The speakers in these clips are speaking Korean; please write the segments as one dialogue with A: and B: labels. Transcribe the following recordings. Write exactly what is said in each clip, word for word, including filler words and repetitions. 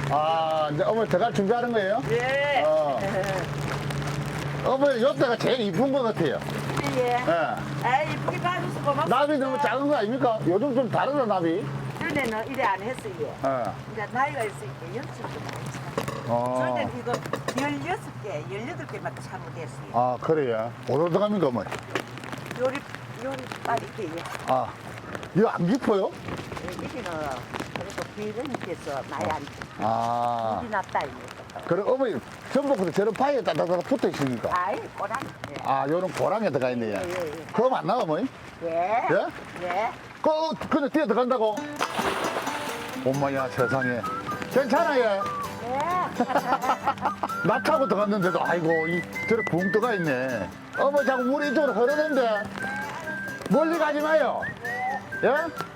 A: 아, 이제 어머니 들어갈 준비하는 거예요?
B: 예.
A: 어. 어머니 요때가 제일 이쁜 것 같아요.
B: 예.
A: 예.
B: 아, 이쁘게 봐줘서 고맙습니다.
A: 나비 너무 작은 거 아닙니까? 요즘 좀 다르다, 나비.
B: 전에는 이래 안 했어요.
A: 예.
B: 이제 나이가 있으니까 열심히 많이 참.
A: 어.
B: 전에는 이거 열여섯 개, 열여덟 개만 참못했어요.
A: 아, 그래요? 어디로 들어갑니까, 어머니?
B: 요리, 요리 빨리 이렇게.
A: 아, 이거 안 깊어요?
B: 여기는 그래도 비런께서 많이 안
A: 아.
B: 물이 났다, 이거.
A: 그럼 어머니, 전복도 저런 바위에 따다다다 붙어 있습니까?
B: 아이, 꼬랑. 예.
A: 아, 요런 고랑에 들어가 있네요.
B: 예, 예, 예.
A: 그럼 안 나와, 어머니?
B: 예.
A: 예?
B: 예.
A: 그, 근데 뛰어 들어간다고? 엄마야, 세상에. 괜찮아요.
B: 예.
A: 나 타고 들어갔는데도, 아이고, 이, 저래 붕 떠가 있네. 어머, 자꾸 물이 이쪽으로 흐르는데. 멀리 가지 마요. 예?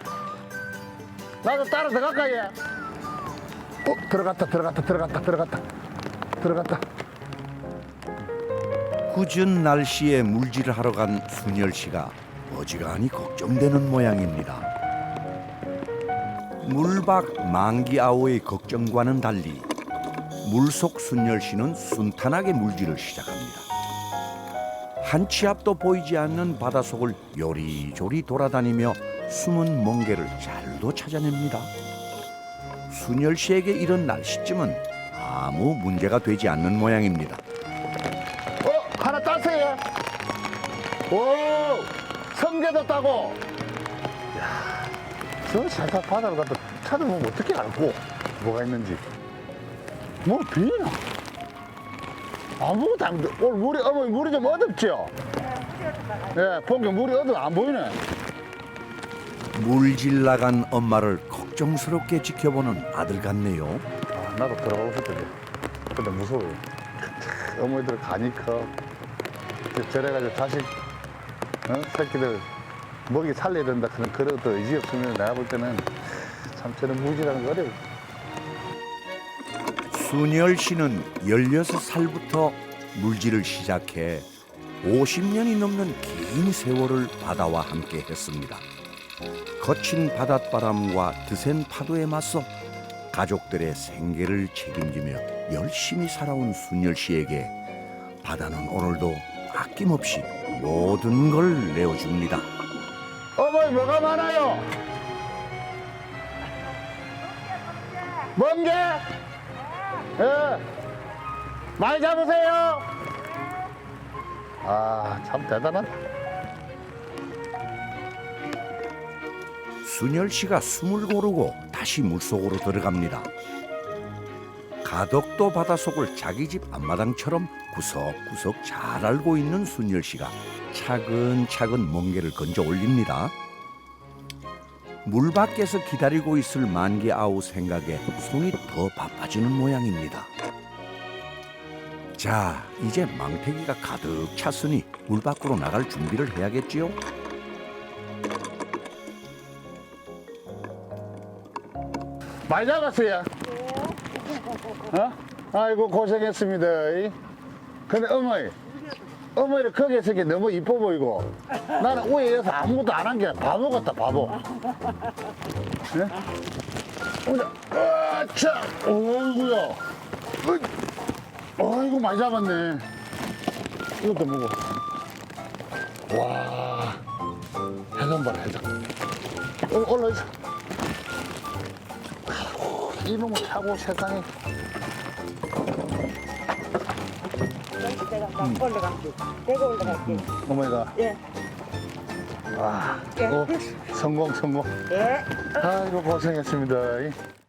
A: 나도 따라 들어갈까, 예? 어, 들어갔다, 들어갔다, 들어갔다, 들어갔다. 들어갔다.
C: 궂은 날씨에 물질을 하러 간 순열 씨가 어지간히 걱정되는 모양입니다. 물박 망기아오의 걱정과는 달리 물속 순열 씨는 순탄하게 물질을 시작합니다. 한 치 앞도 보이지 않는 바닷속을 요리조리 돌아다니며 숨은 멍게를 잘도 찾아냅니다. 순열 씨에게 이런 날씨쯤은 아무 문제가 되지 않는 모양입니다.
A: 어, 하나 땄어요. 오, 성게도 따고. 야, 저 살짝 바다로 갔다 찾아보면 어떻게 알고 뭐가 있는지. 뭐 비나? 아무것도 안 돼. 오늘 물이, 어머니 물이 좀 어둡죠? 예, 본게 물이 어두워 안 보이네.
C: 물질 나간 엄마를 걱정스럽게 지켜보는 아들 같네요.
A: 아, 나도 들어가고 싶던데. 근데 무서워요. 어머니들 가니까 저래가지고 자식, 어? 새끼들 먹이 살려야 된다 그런 그런 또 의지 없으면 내가 볼 때는 참 저런 무지라는 거 어려워.
C: 순열 씨는 열여섯 살부터 물질을 시작해 오십 년이 넘는 긴 세월을 바다와 함께 했습니다. 거친 바닷바람과 드센 파도에 맞서 가족들의 생계를 책임지며 열심히 살아온 순열 씨에게 바다는 오늘도 아낌없이 모든 걸 내어줍니다.
A: 어머니 뭐가 많아요? 멍게? 예. 많이 잡으세요. 아, 참 대단하다.
C: 순열 씨가 숨을 고르고 다시 물속으로 들어갑니다. 가덕도 바닷속을 자기 집 앞마당처럼 구석구석 잘 알고 있는 순열 씨가 차근차근 멍게를 건져 올립니다. 물 밖에서 기다리고 있을 만기아우 생각에 손이 더 바빠지는 모양입니다. 자, 이제 망태기가 가득 찼으니 물 밖으로 나갈 준비를 해야겠지요?
A: 많이 잡았어요. 어? 아이고 고생했습니다. 근데 어머니, 어머니 거기에서 게 너무 이뻐 보이고 나는 위에서 아무것도 안 한 게 바보 같다, 바보. 예? 보자. 아차, 어이구야. 어이. 어이구 많이 잡았네. 이것도 먹어. 와, 해삼 봐라, 해삼. 어, 올라있어. 이놈을 차고 세상에.
B: 내가 막 올라갈게. 내가 올라갈게.
A: 어머니가.
B: 예.
A: 아,
B: 예.
A: 어, 성공, 성공.
B: 예.
A: 아이고, 고생했습니다.